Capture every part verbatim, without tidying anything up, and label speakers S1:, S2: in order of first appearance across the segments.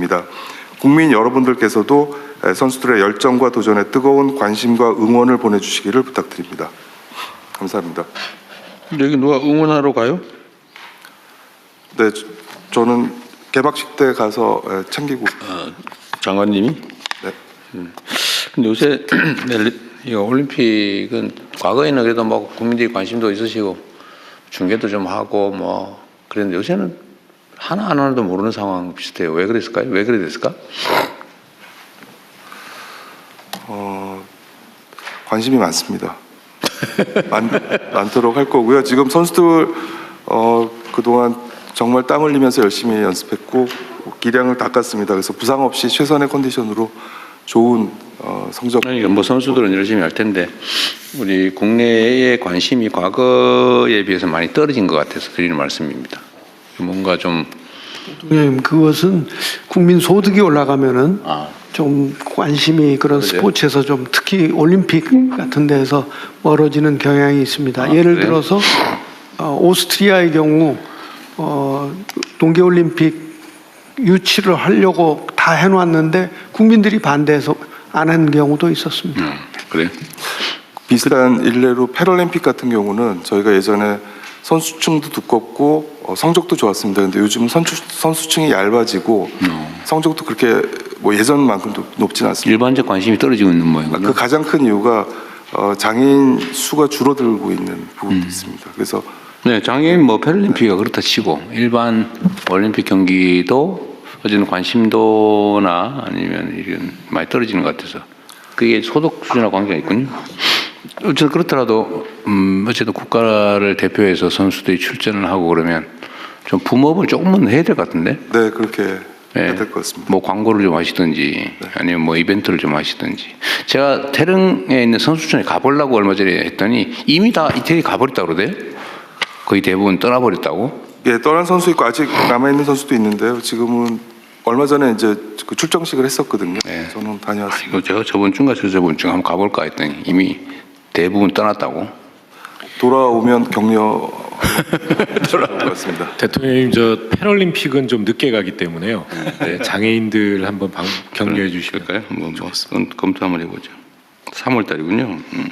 S1: 부탁드립니다. 국민 여러분들께서도 선수들의 열정과 도전에 뜨거운 관심과 응원을 보내주시기를 부탁드립니다. 감사합니다.
S2: 여기 누가 응원하러 가요?
S1: 네, 저는 개막식 때 가서 챙기고.
S2: 아, 장관님이?
S1: 네.
S2: 음. 근데 요새 이 올림픽은 과거에는 그래도 뭐 국민들이 관심도 있으시고 중계도 좀 하고 뭐 그랬는데 요새는 하나 하나도 모르는 상황 비슷해요. 왜 그랬을까요? 왜 그래 됐을까?
S1: 어, 관심이 많습니다. 많, 많도록 할 거고요. 지금 선수들 어, 그동안 정말 땀 흘리면서 열심히 연습했고 기량을 닦았습니다. 그래서 부상 없이 최선의 컨디션으로 좋은 어, 성적.
S2: 아니, 뭐 선수들은 열심히 할 텐데 우리 국내의 관심이 과거에 비해서 많이 떨어진 것 같아서 드리는 말씀입니다. 뭔가 좀
S3: 네, 그것은 국민 소득이 올라가면은
S2: 아.
S3: 좀 관심이 그런
S2: 그러세요?
S3: 스포츠에서 좀 특히 올림픽 같은 데서 멀어지는 경향이 있습니다.
S2: 아,
S3: 예를
S2: 그래요?
S3: 들어서 어, 오스트리아의 경우 어, 동계올림픽 유치를 하려고 다 해놨는데 국민들이 반대해서 안 한 경우도 있었습니다.
S2: 음, 그래.
S1: 비슷한 일례로 패럴림픽 같은 경우는 저희가 예전에 선수층도 두껍고 어, 성적도 좋았습니다. 근데 요즘은 선수, 선수층이 얇아지고
S2: 음.
S1: 성적도 그렇게 뭐 예전만큼 높지는 않습니다.
S2: 일반적 관심이 떨어지고 있는 모양이군요.
S1: 그 가장 큰 이유가 어, 장애인 수가 줄어들고 있는 부분도 있습니다. 그래서
S2: 네, 장애인 뭐 패럴림픽이 그렇다 치고 일반 올림픽 경기도 어쨌든 관심도나 아니면 이런 많이 떨어지는 것 같아서 그게 소득 수준하고 관계가 있군요. 어쨌든 그렇더라도 음 어쨌든 국가를 대표해서 선수들이 출전을 하고 그러면 좀 붐업을 조금은 해야 될 것 같은데.
S1: 네, 그렇게 해야
S2: 네.
S1: 될 것 같습니다.
S2: 뭐 광고를 좀 하시든지 아니면 뭐 이벤트를 좀 하시든지. 제가 태릉에 있는 선수촌에 가보려고 얼마 전에 했더니 이미 다 이태리 가버렸다고 그러대요. 거의 대부분 떠나버렸다고.
S1: 예, 떠난 선수 있고 아직 남아 있는 선수도 있는데요. 지금은 얼마 전에 이제 그 출정식을 했었거든요.
S2: 네.
S1: 저는
S2: 아,
S1: 다녀왔습니다.
S2: 이거 제가 저번 주인가 저저번 주 한번 가볼까 했더니 이미 대부분 떠났다고.
S1: 돌아오면 격려 돌아올 것 같습니다.
S4: 대통령님, 저 패럴림픽은 좀 늦게 가기 때문에요. 네, 장애인들 한번 방, 격려해 주시면
S2: 그럴까요? 한번 뭐 검토 한번 해보죠. 삼월 달이군요. 음.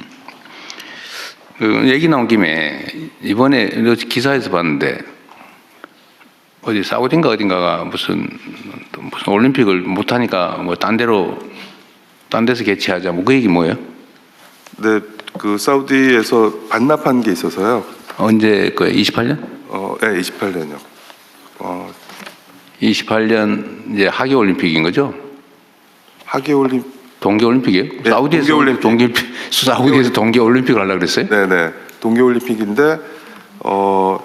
S2: 그 얘기 나온 김에 이번에 기사에서 봤는데 어디 사우디인가 어딘가가 무슨 무슨 올림픽을 못 하니까 뭐 딴 데로 딴 데서 개최하자 뭐 그 얘기 뭐예요?
S1: 네, 그 사우디에서 반납한 게 있어서요.
S2: 언제 그 이십팔 년?
S1: 어, 네, 이십팔 년요. 어,
S2: 이십팔 년 이제 하계 올림픽인 거죠?
S1: 하계 올림
S2: 동계 올림픽이에요?
S1: 네,
S2: 사우디에서
S1: 동계올림픽.
S2: 동계 사우디에서 동계 올림픽을 하려고 그랬어요?
S1: 네, 네. 동계 올림픽인데 어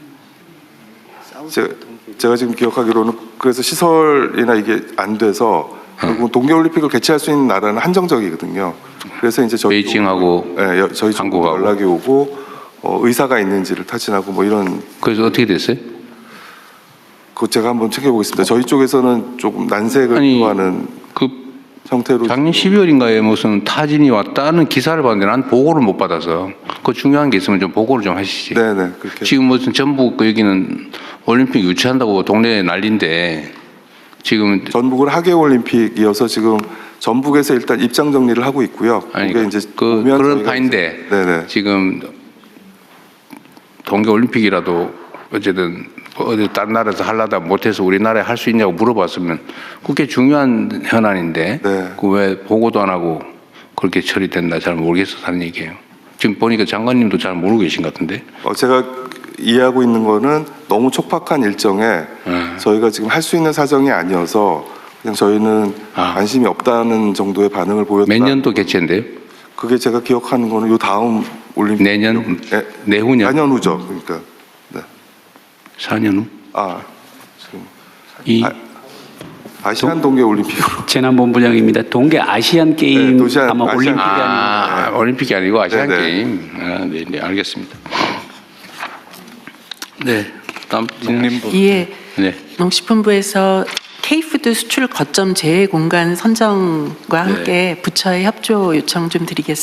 S1: 제가, 제가 지금 기억하기로는 그래서 시설이나 이게 안 돼서 결국 동계 올림픽을 개최할 수 있는 나라는 한정적이거든요. 그래서 이제 저희
S2: 베이징하고
S1: 네, 여- 저희 쪽으로
S2: 한국하고.
S1: 연락이 오고 어, 의사가 있는지를 타진하고 뭐 이런
S2: 그래서 어떻게 됐어요?
S1: 그 제가 한번 챙겨보겠습니다. 저희 쪽에서는 조금 난색을
S2: 아니,
S1: 표하는
S2: 그
S1: 형태로
S2: 작년 십이월인가에 무슨 타진이 왔다는 기사를 봤는데 난 보고를 못 받아서 그 중요한 게 있으면 좀 보고를 좀 하시지.
S1: 네네 그렇게
S2: 지금 무슨 전북 그 여기는 올림픽 유치한다고 동네에 난리인데 지금
S1: 전북은 하계 올림픽이어서 지금 전북에서 일단 입장 정리를 하고 있고요.
S2: 아니
S1: 그게 이제
S2: 그
S1: 오면
S2: 그런
S1: 저희가
S2: 파인데
S1: 이제- 네네
S2: 지금 동계 올림픽이라도 어쨌든 어디 다른 나라에서 하려다 못해서 우리나라에 할 수 있냐고 물어봤으면 그게 중요한 현안인데
S1: 네.
S2: 그 왜 보고도 안 하고 그렇게 처리된다 잘 모르겠어서 하는 얘기예요. 지금 보니까 장관님도 잘 모르고 계신 것 같은데.
S1: 어, 제가 이해하고 있는 거는 너무 촉박한 일정에
S2: 음.
S1: 저희가 지금 할 수 있는 사정이 아니어서 그냥 저희는
S2: 아.
S1: 관심이 없다는 정도의 반응을 보였다.
S2: 몇 년도 개최인데요?
S1: 그게 제가 기억하는 거는 요 다음 올림픽
S2: 내년?
S1: 네,
S2: 내후년?
S1: 사 년 후죠. 그러니까 네.
S2: 사 년 후?
S1: 아 지금
S2: 이
S1: 아, 아시안 동계 올림픽으로
S5: 재난본부장입니다. 동계 아시안 게임
S1: 네, 도시안-
S5: 아마
S1: 아시안
S5: 올림픽이
S1: 게임.
S5: 아닌가.
S2: 아, 올림픽이 아니고 아시안
S1: 네네.
S2: 게임. 아, 네, 네, 알겠습니다. 네, 다음
S6: 농림부. 예,
S2: 네.
S6: 농식품부에서 K푸드 수출 거점 제외 공간 선정과 함께 부처의 협조 요청 좀 드리겠습니다.